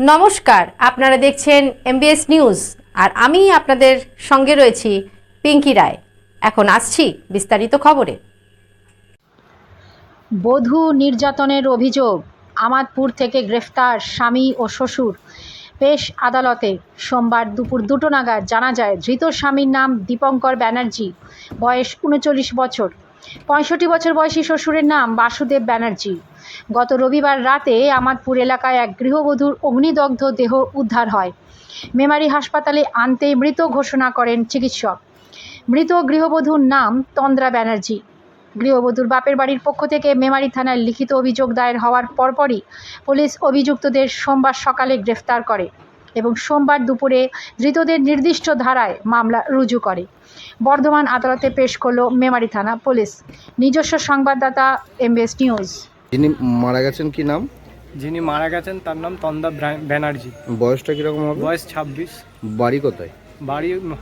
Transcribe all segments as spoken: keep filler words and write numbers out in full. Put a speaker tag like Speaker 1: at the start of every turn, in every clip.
Speaker 1: নমস্কার, আপনারা দেখছেন এমবিএস নিউজ আর আমি আপনাদের সঙ্গে রয়েছি পিঙ্কি রায়। এখন আসছি বিস্তারিত খবরে।
Speaker 2: বধূ নির্যাতনের অভিযোগ, আমাদপুর থেকে গ্রেফতার স্বামী ও শ্বশুর। পেশ আদালতে সোমবার দুপুর দুটো নাগাদ জানা যায় ধৃত স্বামীর নাম দীপঙ্কর ব্যানার্জি, বয়স উনচল্লিশ বছর। পঁয়ষট্টি বছর বয়সী শ্বশুরের নাম বাসুদেব ব্যানার্জি। গত রবিবার রাতে আমাদপুর এলাকায় এক গৃহবধূর অগ্নিদগ্ধ দেহ উদ্ধার হয়। মেমারি হাসপাতালে আনতে মৃত ঘোষণা করেন চিকিৎসক। মৃত গৃহবধূর নাম তন্দ্রা ব্যানার্জি। গৃহবধূর বাপের বাড়ির পক্ষ থেকে মেমারি থানায় লিখিত অভিযোগ দায়ের হওয়ার পরপরই পুলিশ অভিযুক্তদের সোমবার সকালে গ্রেফতার করে এবং সোমবার দুপুরে ধৃতদের নির্দিষ্ট ধারায় মামলা রুজু করে। বর্ধমান আদালতে পেশ করল মেমারি থানা পুলিশ। নিজস্ব সংবাদদাতা এমবিএস নিউজ।
Speaker 3: যিনি মারা গেছেন কি নাম?
Speaker 4: যিনি মারা গেছেন তার নাম তন্দা ব্যানার্জি।
Speaker 3: বয়সটা কিরকম হবে?
Speaker 4: বয়স ছাব্বিশ।
Speaker 3: বাড়ি কোথায়?
Speaker 4: বাড়ি আহ,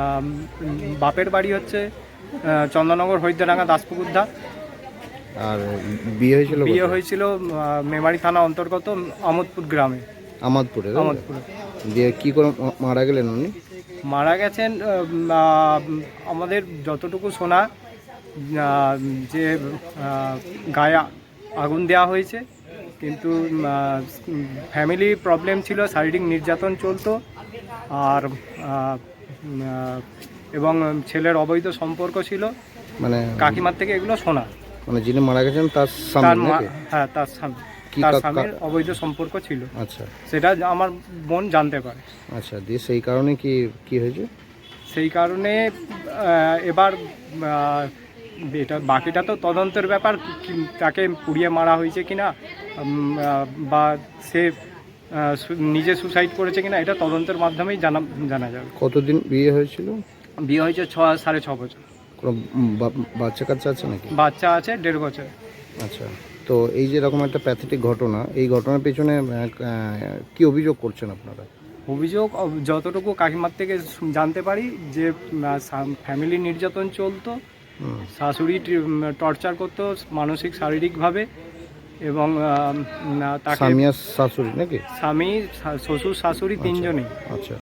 Speaker 4: বাপের বাড়ি হচ্ছে আহ, চন্দননগর হরিদ্রাঙ্গা দাসপুকুর ধার।
Speaker 3: আর বিয়ে হয়েছিল
Speaker 4: বিয়ে
Speaker 3: কোথায়?
Speaker 4: হয়েছিল আহ, মেমারি থানা অন্তর্গত আমোদপুর গ্রামে।
Speaker 3: আমাদপুরে?
Speaker 4: আমোদপুরে
Speaker 3: দিয়ে কি করে মা- মারা গেলেন উনি?
Speaker 4: মারা গেছেন আহ, আহ, আমাদের যতটুকু শোনা আহ, যে আহ, গায়ে আগুন দেওয়া হয়েছে, কিন্তু ফ্যামিলি প্রবলেম ছিল, শারীরিক নির্যাতন চলতো, আর আহ, আহ, এবং ছেলের অবৈধ সম্পর্ক ছিল।
Speaker 3: মানে
Speaker 4: কাকিমার থেকে এগুলো শোনা।
Speaker 3: মানে যিনি মারা গেছেন তার
Speaker 4: তার
Speaker 3: স্বামী
Speaker 4: মা,
Speaker 3: নাকি?
Speaker 4: হ্যাঁ তার স্বামী,
Speaker 3: কি
Speaker 4: তার
Speaker 3: কা-
Speaker 4: স্বামীর
Speaker 3: কা-
Speaker 4: অবৈধ সম্পর্ক ছিল,
Speaker 3: আচ্ছা
Speaker 4: সেটা আমার বোন জানতে পারে।
Speaker 3: আচ্ছা, দিয়ে সেই কারণে কি কি হয়েছে?
Speaker 4: সেই কারণে আহ, এবার আহ, এটা বাকিটা তো তদন্তের ব্যাপার, কি- তাকে পুড়িয়ে মারা হয়েছে কিনা উম, আহ, বা সে আহ, সু- নিজে সুসাইড করেছে কিনা, এটা তদন্তের মাধ্যমেই জানা জানা যাবে।
Speaker 3: কতদিন বিয়ে হয়েছিল?
Speaker 4: বিয়ে হয়েছে ছ সাড়ে ছ বছর।
Speaker 3: কোনো বা- বাচ্চা কাচ্চা আছে নাকি?
Speaker 4: বাচ্চা আছে দেড় বছর।
Speaker 3: আচ্ছা, তো এই যে এরকম একটা প্যাথেটিক ঘটনা, এই ঘটনার পেছনে আহ, আহ, কি অভিযোগ করছেন আপনারা?
Speaker 4: অভিযোগ অব- যতটুকু কাকিমার থেকে শু- জানতে পারি যে ফ্যামিলি নির্যাতন চলতো,
Speaker 3: হুম,
Speaker 4: শাশুড়ি টর্চার করতো মানসিক শারীরিকভাবে, এবং আহ, উম, তাকে
Speaker 3: স্বামী আর শাশুড়ি নাকি?
Speaker 4: স্বামী শা- শ্বশুর শাশুড়ি তিনজনেই।
Speaker 3: আচ্ছা,